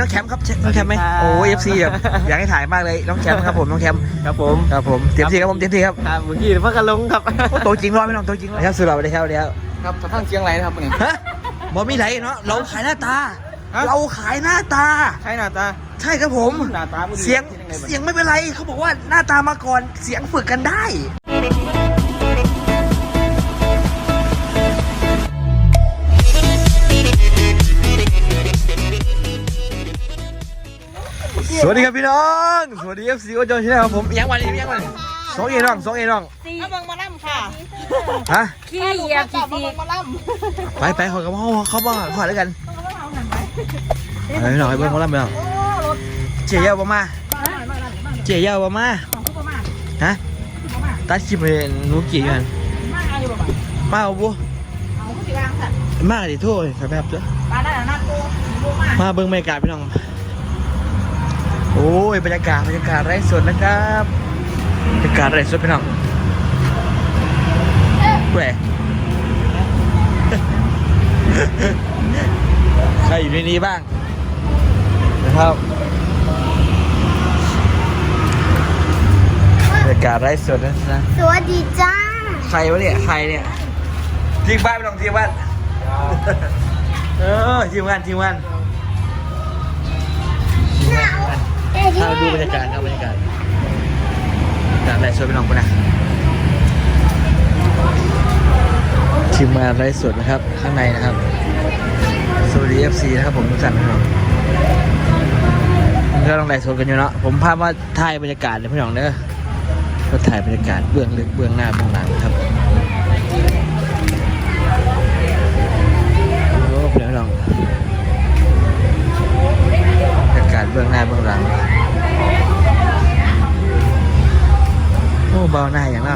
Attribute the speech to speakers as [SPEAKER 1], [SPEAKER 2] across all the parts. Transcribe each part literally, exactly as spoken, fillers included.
[SPEAKER 1] น้องแคมป์ครับน้องแคมป์ไหมโอ้ยเอฟซีแบบอยากให้ถ่ายมากเลยน้องแคมป์ครับผมน้องแคมป์
[SPEAKER 2] ครับผม
[SPEAKER 1] ครับผมเต็มที่ครับผมเต็มที่ครับ
[SPEAKER 2] ครับเมื่อกี้เพิ่งกันลงครับ
[SPEAKER 1] โตจริงรอไม่น้องโตจริงครับสุดหล่อไปเลยครับเดี๋ยว
[SPEAKER 2] ครับทางเชียงรายนะครับนี่
[SPEAKER 1] ฮะบอมีไหนเนาะเราขายหน้าตาเราขายหน้าตา
[SPEAKER 2] ใช่หน้าตา
[SPEAKER 1] ใช่ครับผม
[SPEAKER 2] หน้าตา
[SPEAKER 1] เสียงเสียงไม่เป็นไรเขาบอกว่าหน้าตามาก่อนเสียงฝึกกันได้สวัสดีครับพี่น้องสวัสดีเอฟซีโอจอยชาแนลครับผมยังวันนี้ยังวันสองเอน้องสองเอน้อง
[SPEAKER 3] เอาเบิ่งมาล่ำค่ะ
[SPEAKER 1] ฮะ
[SPEAKER 3] ขี้เหยียบขี้ซี
[SPEAKER 1] ไปไปขอกับเขาเขาบ้างขอแล้วกันไปพี่น้องไปเบิ้งเขาล่ำไปน้องเจียวบ่มาเจียวบ่มาฮะตัดคลิปเลยหนูกี่กันมาเอาบุมาดิโทษครับแบบเจ้ามาเบิ้งบรรยากาศพี่น้องโอ้ยบรรยากาศบรรยากาศไร้สดนะครับบรรยากาศไร้สดพี่น้องแหวใครอยู่ในนี้บ้างนะครับบรรยากาศไร้สดนะนะ
[SPEAKER 3] สวัสดีจ้า
[SPEAKER 1] ใครวะเนี่ยใครเนี่ยทีมบ้านพี่น้องทีมบ้านเออทีมงานทีมงานถ้าดูบรรยากาศครับบรรยากาศจากไลฟ์สดไปน้องคนนะทีมงานไลฟ์สดนะครับข้างในนะครับสวัสดี เอฟ ซี นะครับผมทุกท่านนะครับก็ต้องไลฟ์สดกันอยู่เนาะผมพามาถ่ายบรรยากาศเลยพี่น้องเด้อก็ถ่ายบรรยากาศเบื้องลึกเบื้องหน้าเบื้องหลังครับโอ้พี่น้องบรรยากาศเบื้องหน้าเบื้องหลังโอ้เบาหน้าอย่างน่ะ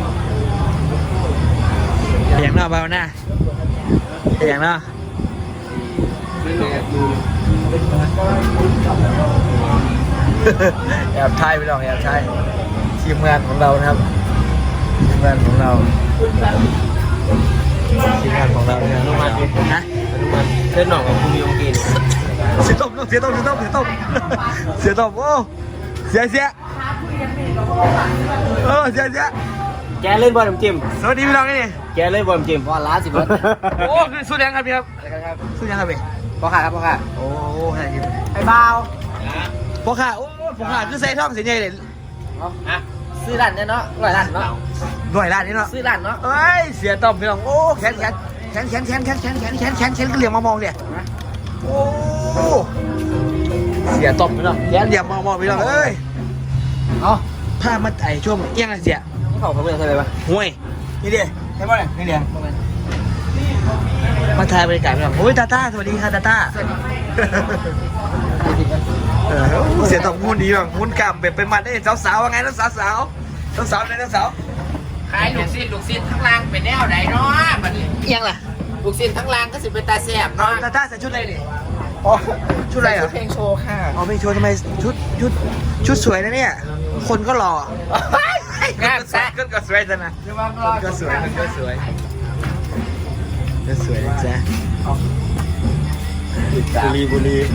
[SPEAKER 1] อย่างน่ะเบาหน้าอย่างน่ะแอบถ่ายไปลองแอบถ่ายทีมงานของเรานะครับทีมงานของเราทีมงานของเราเนี่ยฮะ
[SPEAKER 2] เส้นหน่องของคุณมีองกิน
[SPEAKER 1] เสียตบเสียตบเสียตบเสียตบเสียตบโอ้เสียเสียเออเสียเสีย
[SPEAKER 2] แกเล่นบอลจิม
[SPEAKER 1] สวัสดีพี่น้องนี่
[SPEAKER 2] แกเล่นบอลจิมบอลล้าสิบวัน
[SPEAKER 1] โอ้คือสู้ยังครับพี่ครับสู้ยังครับพี่
[SPEAKER 2] พ่อขาครับพ่อขา
[SPEAKER 1] โอ้ใช่ครับ
[SPEAKER 2] ไอ้บ่าว
[SPEAKER 1] พ่อขาโอ้พ่อขาคือใส่ท่องเสียใหญ่เลย
[SPEAKER 2] ฮะซื้อร้านเนี่ยเนาะร้อยล้านเนาะ
[SPEAKER 1] ร้อยล้านนี่เนาะ
[SPEAKER 2] ซื้อร้านเนาะ
[SPEAKER 1] เอ้ยเสียต้อมพี่น้องโอ้แขนแขนแขนแขนแขนแขนแขนแขนแขนแขนแขนก็เหลี่ยมมามองเนี่ยโอ้เสียต้อมพี่น้องแขนเหลี่ยมมามองพี่น้องเอ้ยเอาผ้ามาไต่ช่วงเอี้ยงอะไรเสีย
[SPEAKER 2] เขาเขาเป็นอะไรปะ
[SPEAKER 1] ห่วยนี่ดิใช่ป่ะเนี่ยนี่เดียมาถ่ายบรรยากาศพี่น้องโอ้ยตาต้าสวัสดีค่ะตาต้าเสียต้อมหุ่นดีบ้างหุ่นกล้ามแบบเป็นมันได้สาวๆว่าไงน้องสาวสาวสาวๆไหนน้องสาว
[SPEAKER 2] ขายลูกศิษย์ลูกศิษย์ทั้งล่างเป็นแนวไหนเนาะบัดนี้
[SPEAKER 1] เอียงล่ะ
[SPEAKER 2] ลูกศิษย์ทั้งล่างก็สิเป็นตาแสบเนาะ
[SPEAKER 1] ตาต้าใส่ชุดอะไรนี่อ๋อชุดอะไรอ่ะ
[SPEAKER 2] เพลงโชว์ค่ะ
[SPEAKER 1] อ๋อเพลงโชว์ทำไมชุดชุดชุดสวยนะเนี่ยคนก็หล่องามแซ่ก็ก็สวยจังนะก็สวยก็สวยก็สวยจ้ะบุรีบุรี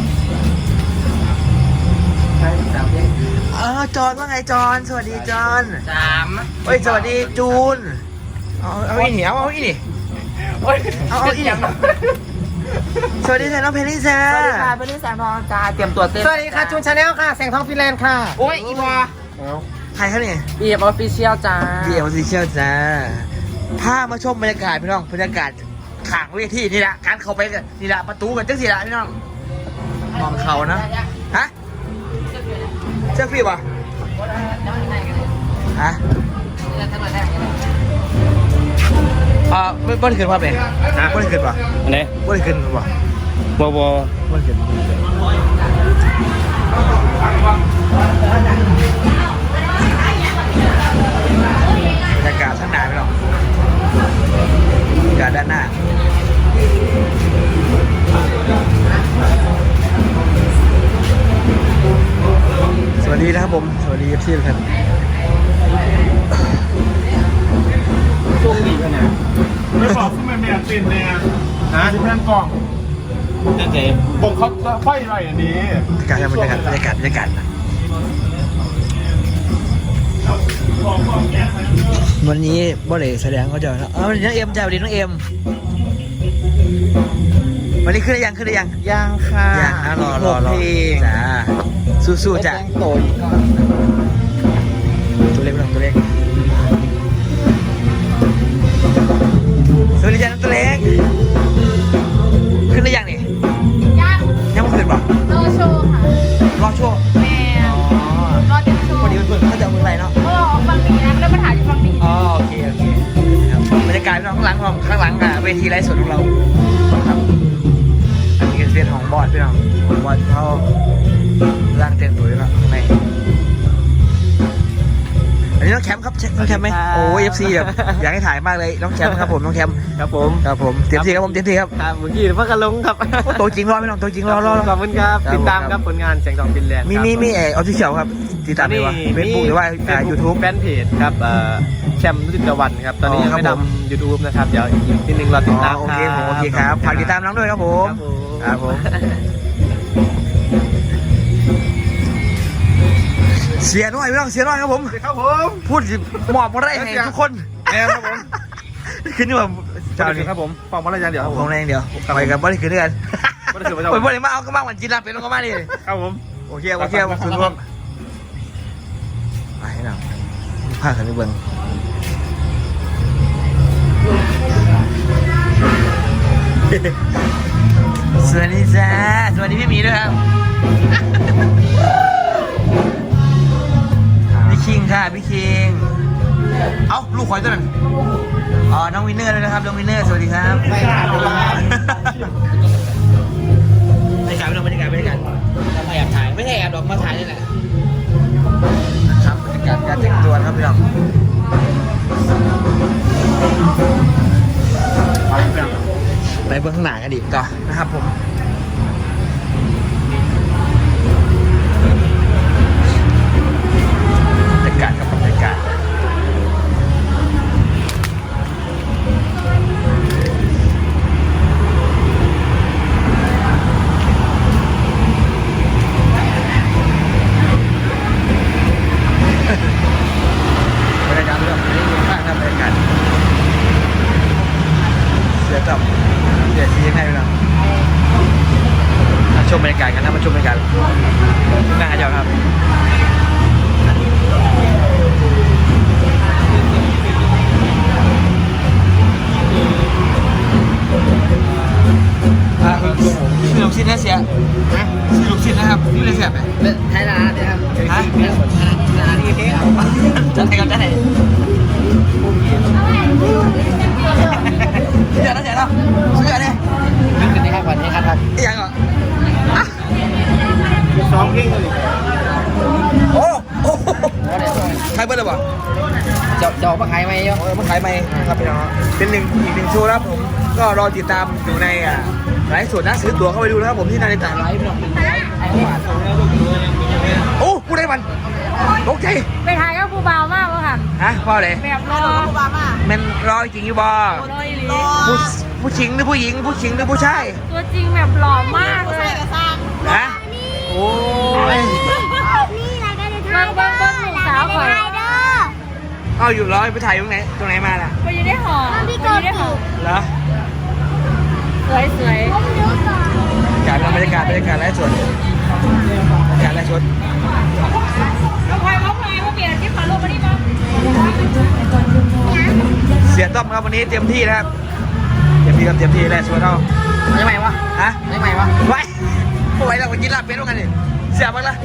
[SPEAKER 1] อ๋อจอนว่าไงจอนสวัสดีจอน
[SPEAKER 2] สาม
[SPEAKER 1] เฮ้ยสวัสดีจูนเอาเอาอีนี่เอาเอาอีนี่เอาเอาอีนี่สวัสดีค่ะน้องเพนนี่แซ่
[SPEAKER 2] สวัสดีค่ะเพนนี่แสงทองจ้าเตรียมตัวเต้นสวัสดีค่ะจูนชาแนลค่ะแสงทองฟินแลนด์ค่ะโอ้ยอีวา
[SPEAKER 1] ใครครับเนี่ย
[SPEAKER 2] บีเอ็มออฟฟิเชียลจ้า
[SPEAKER 1] บีเอ็มออฟฟิเชียลจ้าพามาชมบรรยากาศพี่น้องบรรยากาศขางเวทีนี่แหละการเข้าไปกันนี่แหละประตูกันจังสิละพี่น้องมองเขานะฮะเจ้าพี่ป่ะฮะอ่าไม่ไม่ได้ขึ้นป่ะเบ๋ไม่ได้ขึ้นป่ะ
[SPEAKER 2] อันไหน
[SPEAKER 1] ไม่ได้ขึ้นป่ะ
[SPEAKER 2] บอบอ
[SPEAKER 1] ไม่ได้ขึ้นบรรยากาศข้างหน้าพี่น้องบรรยากาศด้านหน้าสวัสดีนะครับผมสวัสดีเอฟซีทุกท่าน
[SPEAKER 2] ช่วงดีขนาด
[SPEAKER 4] ไม่บอกขึ้นมาเมียตินเนี่ยนะที่เพื่อนกล่องนั่นเองผมเขาไฟอะไรอันนี้
[SPEAKER 1] บรรยากาศบรรยากาศบรรยากาศบรรยากาศวันนี้บ่ได้แสดงเขาจะเออวันนี้น้องเอ็มจ้าวันนี้น้องเอ็มวันนี้ขึ้นได้ยังขึ้นได้ยัง
[SPEAKER 2] ยังค่ะ
[SPEAKER 1] ยังนะรอรอรอ
[SPEAKER 2] เพลง
[SPEAKER 1] จ้าสู้ๆจ้ะ
[SPEAKER 2] แจ้งโตอีกก่อน
[SPEAKER 1] ตัวเล็กน้องตัวเล็กสวัสดีจ้าน้องตัวเล็กขึ้นได้ยังนี่
[SPEAKER 3] ย่าง
[SPEAKER 1] ยังไม่ขึ้นป่ะ
[SPEAKER 3] โลโชว์ค่ะ
[SPEAKER 1] รอโชว์
[SPEAKER 3] แม่รอเต็มโชว์
[SPEAKER 1] พอดีเพื่อนๆเขาจะเอามือไรเนาะ
[SPEAKER 3] เออออกฟังดีนะแล้วมาถ่ายที่ฟังดี
[SPEAKER 1] อ๋อโอเคโอเคครับบรรยากาศข้างหลังของข้างหลังอ่ะเวทีไลฟ์สดของเราครับอันนี้ก็เป็นของบอสพี่น้องของบอสเขาร่างเต็มตัวอยู่แล้วข้างในอันนี้น้องแคมป์ครับน้องแคมป์ไหมโอ้เอฟซีแบบอยากให้ถ่ายมากเลยน้องแคมป์ครับผมน้องแคมป์
[SPEAKER 2] ครับผม
[SPEAKER 1] ครับผมเต็มที่ครับผมเต็มที่ครับ
[SPEAKER 2] ครับเมื่อกี้พักกันลงครับ
[SPEAKER 1] โอ้ตัวจริงรอพี่น้องตัวจริงรอรอรอ
[SPEAKER 2] ขอบคุณครับ
[SPEAKER 1] ครับ
[SPEAKER 2] ติดตามครับผลงานแสงทองฟินแลนด์
[SPEAKER 1] มีมีมีเออออฟฟิเชียลครับติดตามได้ว่าเฟซบุ๊กหรือว่ายูทูบ
[SPEAKER 2] แฟนเพจครับเอ่อแชมป์นุติตะวันครับ ตอนนี้
[SPEAKER 1] อ๋อ
[SPEAKER 2] ยังไม่
[SPEAKER 1] ครับผม
[SPEAKER 2] ทำยูทูบนะครับ เดี๋ยวอีกนิดนึงเราติดตาม
[SPEAKER 1] โอเคผมโอเคครับฝากติดตามน้องด้วยครับผม
[SPEAKER 2] ครับผม
[SPEAKER 1] ครับผมเสียน้อยไม่ต้องเสียน้อยครับผม
[SPEAKER 4] ครับผม
[SPEAKER 1] พูดสิมอบมาได้ให้ทุกคน
[SPEAKER 4] แม่ครับผม
[SPEAKER 1] ขึ้นนี่ว่าเจ้านี่
[SPEAKER 4] ครับผมฟังมาแล้วยังเดี๋ยวครับ
[SPEAKER 1] ข
[SPEAKER 4] ผ
[SPEAKER 1] อง
[SPEAKER 4] ม
[SPEAKER 1] แรงเดียวไปกับบ่ได้ขึ้นด้วยกัน
[SPEAKER 4] บ่ได้ขึ้นบ่ได้
[SPEAKER 1] โอ้ยบ่ได้มาเอาก็มาวันจีนลาเป็นลงก็มาดิ
[SPEAKER 4] ครับผม
[SPEAKER 1] โอเคโอเคคุณร่วมไปให้หน่อยพากันไปเบิ่งสวัสดีจ้าสวัสดีพี่หมีด้วยครับพี่คิงค่ะพี่คิงเอ้าลูกควายตัวนั้นอ๋อน้องวินเนอร์ด้วยนะครับน้องวินเนอร์สวัสดีครับบรรยากาศบรรยากาศบรรยากาศเราแอบถ่ายไม่ใช่แอบหรอกมาถ่ายนี่แหละครับบรรยากาศการแต่งตัวนะครับพี่น้องไปเบื้องข้างหน้ากันดีต่อนะครับผมบรรยากาศกับบรรยากาศบรรยากาศเรื่องนี้อยู่ข้างครับบรรยากาศเสือจับเสือชี้ให้เรามาชมบรรยากาศกันนะมาชมบรรยากาศหน้าเจ้าครับอ่ะซื้อลูกชิ้นนะเสียซื้อลูกชิ้นนะครับนี่เลยเสียไหม
[SPEAKER 2] ไทยนาเนี่ยครับ
[SPEAKER 1] ฮะ
[SPEAKER 2] นาดีเท่
[SPEAKER 1] จัดให้กันจัดให้เดี๋ยวนะเดี๋ยวนะซื้ออะไร
[SPEAKER 2] นึกถึงนี่ครับวันนี้ครับ
[SPEAKER 1] อีกอย่างก่อน
[SPEAKER 4] ซ้อมเก่งเลย
[SPEAKER 1] โอ้โหใครเบิ้ลเลยบ่
[SPEAKER 2] จะจะออกมาขายไหมยง
[SPEAKER 1] เออมาขายไหมครับพี่น้องเป็นหนึ่งอีกหนึ่งโชว์นะครับผมก็รอติดตามอยู่ในอ่ะไลฟ์สดนะซื้อตั๋วเข้าไปดูนะครับผมที่นาฬิกาไลฟ์พี่น้องโอ้พูดได้มันโอเค
[SPEAKER 3] ไปถ่ายกับผู้บ่าวมากวะค่ะ
[SPEAKER 1] ฮะพ่อเลย
[SPEAKER 3] แบบรอผู้บ่าวมาก
[SPEAKER 1] มันรอจริงอยู่บ่
[SPEAKER 3] รออีหลี
[SPEAKER 1] ผู้ผู้หญิงหรือผู้หญิงผู้หญิงหรือผู้ชาย
[SPEAKER 3] ตัวจริงแบบหล่อมากเลย
[SPEAKER 1] ฮะโอ้ย
[SPEAKER 3] เบิ้งเบิ้งเบิ้งลูกสาวข่อย
[SPEAKER 1] เอาอยู่ร้อยไปถ่ายตรงไหนตรงไหนมาล่ะ
[SPEAKER 3] ไปอยู่ได้หอไปอยู่ได้หอ
[SPEAKER 1] เหรอ
[SPEAKER 3] สวยสวย
[SPEAKER 1] การบรรยากาศบรรยากาศไลฟ์สดบรรยากาศไลฟ์สด
[SPEAKER 3] น้องพลอยน้องพลอยว่าเปลี่ยนที่ขอลงมาดิมั้ง
[SPEAKER 1] เสียต้อมครับวันนี้เต็มที่นะครับเต็มที่ครับเต็มที่ไลฟ์สดเอา
[SPEAKER 2] ยังไงวะ
[SPEAKER 1] ฮะ
[SPEAKER 2] ยังไงวะ
[SPEAKER 1] ไว้ไว้เราไปกินลาบเป็ดด้วยกันดิเสียบ้างละ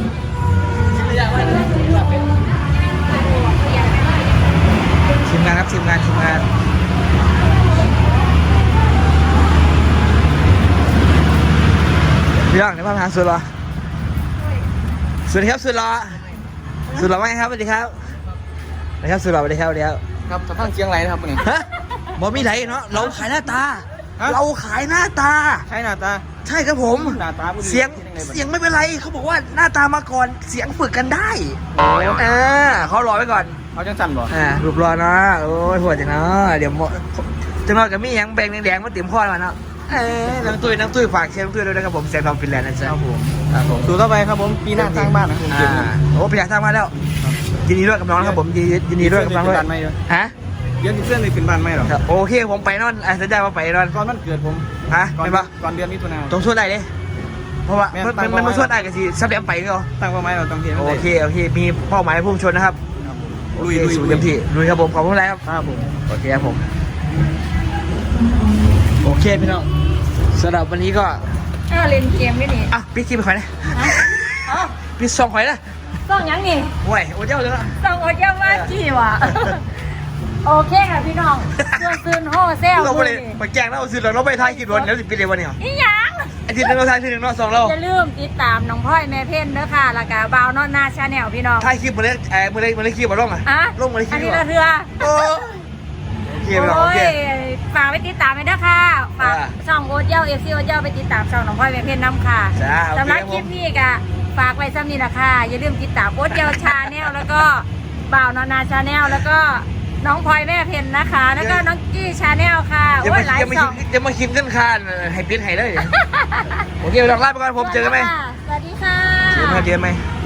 [SPEAKER 1] ทีมงานครับทีมงานทีมงานพี่น้องในภาพหาสุดหรอสวัสดีครับสุดหรอสุดหรอไหมครับสวัสดีครับสวัสดีครับสุดหรอสวัสดีครับสวัสดีครับ
[SPEAKER 2] ครับจะพังเชียงไรนะครับวันนี้
[SPEAKER 1] ฮะบอมีไหนเนาะเราขายหน้าตา เราขายหน้าตา
[SPEAKER 2] ใช่หน้าตา
[SPEAKER 1] ใช่ครับผม
[SPEAKER 2] หน้าตาผู้ดี
[SPEAKER 1] เสียง
[SPEAKER 2] ที่ยังไงบ้าง
[SPEAKER 1] เสียงไม่เป็นไรเขาบอกว่าหน้าตามาก่อนเสียงฝึกกันได้
[SPEAKER 2] โอ้
[SPEAKER 1] อ่าเขารอไว้ก่อน
[SPEAKER 2] เขาจังสั่นบ่
[SPEAKER 1] อ่ารูปรอเนาะโอ้ยหัวจังเนาะเดี๋ยวหมดจังหน่อยกับมีหยังแบงแดงๆมาเต็มข้อมาเนาะเอ้ยน้ำตุ้ยน้ำตุ้ยฝากเชียร์น้ำตุ้ยด้วยนะครับผมแสงทองฟินแลนด์นะจ๊ะ
[SPEAKER 2] ครับผม
[SPEAKER 1] ครับผม
[SPEAKER 2] สู่ต่อไปครับผมปีหน้าสร้างบ้านนะผม
[SPEAKER 1] อ่าโอ้ประหยัดทางมาแล้วยินดีด้วยกับน้องนะครับผมยินดียินดีด้วยกับน้องด้วย
[SPEAKER 2] บ้านไม่ด้วย
[SPEAKER 1] ฮะ
[SPEAKER 2] เดี๋ยวติดเสื้อเลยเป็นบ้านไม่หรอ
[SPEAKER 1] ครับโอเคผมไปนอนอ่ะสัญญาว่าไปนอน
[SPEAKER 2] ก่อนมันเกิดผม
[SPEAKER 1] ฮะ
[SPEAKER 2] ก่อน
[SPEAKER 1] ไม่ปะ
[SPEAKER 2] ก่อนเดือนมิถุนายน
[SPEAKER 1] ตรงส่วนไหนเลยเพราะว่า
[SPEAKER 2] แม่
[SPEAKER 1] มัน
[SPEAKER 2] ตั้
[SPEAKER 1] มัน
[SPEAKER 2] ง
[SPEAKER 1] มัน
[SPEAKER 2] เป้าไว้
[SPEAKER 1] ส่วนไหนกันสิสับเดียมไปก็
[SPEAKER 2] ตั้งเป้าหมายเราต้องเทียน
[SPEAKER 1] โอเคโอเคมีเป้าหมายพุ่งชนนะครับ
[SPEAKER 2] ลุย
[SPEAKER 1] โอ
[SPEAKER 2] ลุ
[SPEAKER 1] เค
[SPEAKER 2] ย
[SPEAKER 1] สู่เต็มที่ลุยครับผมขอบคุณอะไรครับ
[SPEAKER 2] ครับผม
[SPEAKER 1] โอเคครับผมโอเคพี่น้องสำหรับวันนี้ก็
[SPEAKER 3] เออเล่นเกมไม่นี่
[SPEAKER 1] อ่ะพี่คิมไปข่อยนะ
[SPEAKER 3] เอ้า
[SPEAKER 1] พี่ซองข่อยนะ
[SPEAKER 3] ต้องยังนี่
[SPEAKER 1] โอ้ยโอ้เจ้าเลยละ
[SPEAKER 3] ต้องอดเยี่ยมมากจีว่ะโอเคค่ะพี่น้องชวนซื้อโฮเซล
[SPEAKER 1] เรา
[SPEAKER 3] มื
[SPEAKER 1] ไป
[SPEAKER 3] อ
[SPEAKER 1] เลย
[SPEAKER 3] นี่
[SPEAKER 1] ไปแจ้งเราซื้อเราเราไปทายกี่วันแล้วสิปีเดียววันนี้เหรอ
[SPEAKER 3] อีหยัง
[SPEAKER 1] อาทิตย์หนึงเราทายทีหนึ่งเราสองเรา
[SPEAKER 3] อย่าลืมติดตามน้องพ่อยแม่เพ่นเด้อค่ะแล้วก็บ่าวนอนนาชาแนลพี่น้อง
[SPEAKER 1] ทายคลิปมาเลยเออมาเลยมาเลยคลิปมาลงอ่ะ
[SPEAKER 3] อะ
[SPEAKER 1] ลงมาเลยคลิ
[SPEAKER 3] อั
[SPEAKER 1] ป
[SPEAKER 3] น
[SPEAKER 1] ดี
[SPEAKER 3] นี้
[SPEAKER 1] กว่า
[SPEAKER 3] ละเรือ
[SPEAKER 1] โอ้โอเคพี่น้องโอ
[SPEAKER 3] โอ้
[SPEAKER 1] เค
[SPEAKER 3] ยฝากไปติดตามไปด้วยค่ะฝาก
[SPEAKER 1] อ่า
[SPEAKER 3] ช่องโอ๊ตเย้าเอฟซีโอ๊ตเย้าไปติดตามช่องน้องพ่อยแม่เพ่นน้ำค่ะ
[SPEAKER 1] จ้าโอเค
[SPEAKER 3] สำหรับ
[SPEAKER 1] ครับ
[SPEAKER 3] ค
[SPEAKER 1] ผม
[SPEAKER 3] ลิปนี้ก็ฝากไว้ซ้ำนี่นะค่ะอย่าลืมติดตามโอ๊ตเย้าชาแนลแล้วก็บ่าวนอนนาชาแนลแล้วก็น้องพลอยแม่เพ็ญนะคะ แล้วก็น้องกี้ชาแนลค่ะ
[SPEAKER 1] จะ
[SPEAKER 3] โอ้
[SPEAKER 1] มาย
[SPEAKER 3] หลาย
[SPEAKER 1] จะมา
[SPEAKER 3] ช่อง
[SPEAKER 1] จะมาคิมกันคานให้ปิ้นให้เลยโอเคลองลาไปก่อนผมเจอกันไหม
[SPEAKER 3] สวัสดีค่ะ
[SPEAKER 1] เจอกันเจอกันไหม